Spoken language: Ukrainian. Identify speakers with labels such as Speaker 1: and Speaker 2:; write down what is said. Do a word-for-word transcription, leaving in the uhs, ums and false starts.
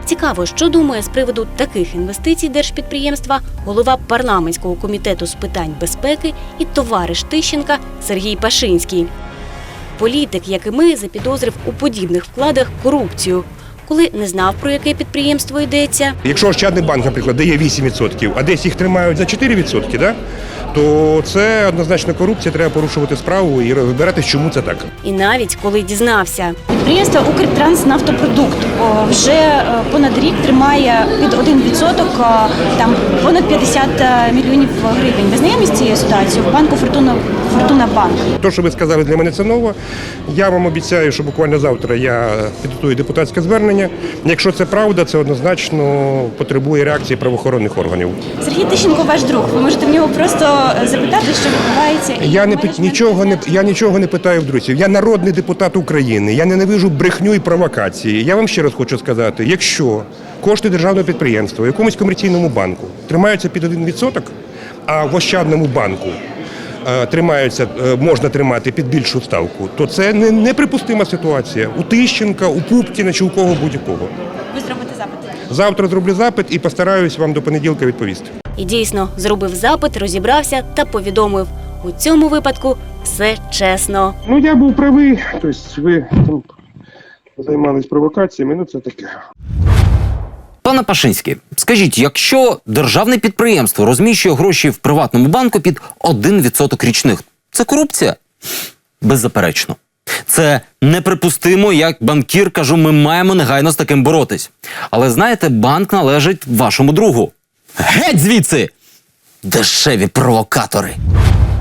Speaker 1: Цікаво, що думає з приводу таких інвестицій держпідприємства голова парламентського комітету з питань безпеки і товариш Тищенка Сергій Пашинський. Політик, як і ми, запідозрив у подібних вкладах корупцію. Коли не знав, про яке підприємство йдеться.
Speaker 2: Якщо Ощадний банк, наприклад, дає вісім відсотків, а десь їх тримають за чотири відсотки, да? то це однозначно корупція, треба порушувати справу і розбиратись, чому це так.
Speaker 1: І навіть коли дізнався.
Speaker 3: Підприємство «Укртранснафтопродукт» вже понад рік тримає під один відсоток, там понад п'ятдесят мільйонів гривень. Ви знайомі з цією ситуацією в банку «Фортуна, Фортуна Банк»?
Speaker 2: То, що ви сказали, для мене це ново. Я вам обіцяю, що буквально завтра я підготую депутатське звернення. Якщо це правда, це однозначно потребує реакції правоохоронних органів.
Speaker 3: Сергій Тищенко ваш друг. Ви можете в нього просто запитати, що відбувається.
Speaker 2: Я не нічого не я нічого не питаю в друзів. Я народний депутат України. Я ненавижу брехню і провокації. Я вам ще раз хочу сказати, якщо кошти державного підприємства в якомусь комерційному банку тримаються під один відсоток, а в Ощадному банку е, тримаються, е, можна тримати під більшу ставку, то це не, неприпустима ситуація. У Тищенка, у Пупкіна чи у кого будь-якого.
Speaker 3: Ви зробите запит?
Speaker 2: Завтра зроблю запит і постараюсь вам до понеділка відповісти.
Speaker 1: І дійсно, зробив запит, розібрався та повідомив. У цьому випадку все чесно.
Speaker 2: Ну, я був правий, тобто ви там займались провокаціями, ну це таке.
Speaker 4: Пане Пашинський, скажіть, якщо державне підприємство розміщує гроші в приватному банку під один відсоток річних, це корупція? Беззаперечно. Це неприпустимо, як банкір кажу, ми маємо негайно з таким боротись. Але знаєте, банк належить вашому другу. Геть звідси! Дешеві провокатори!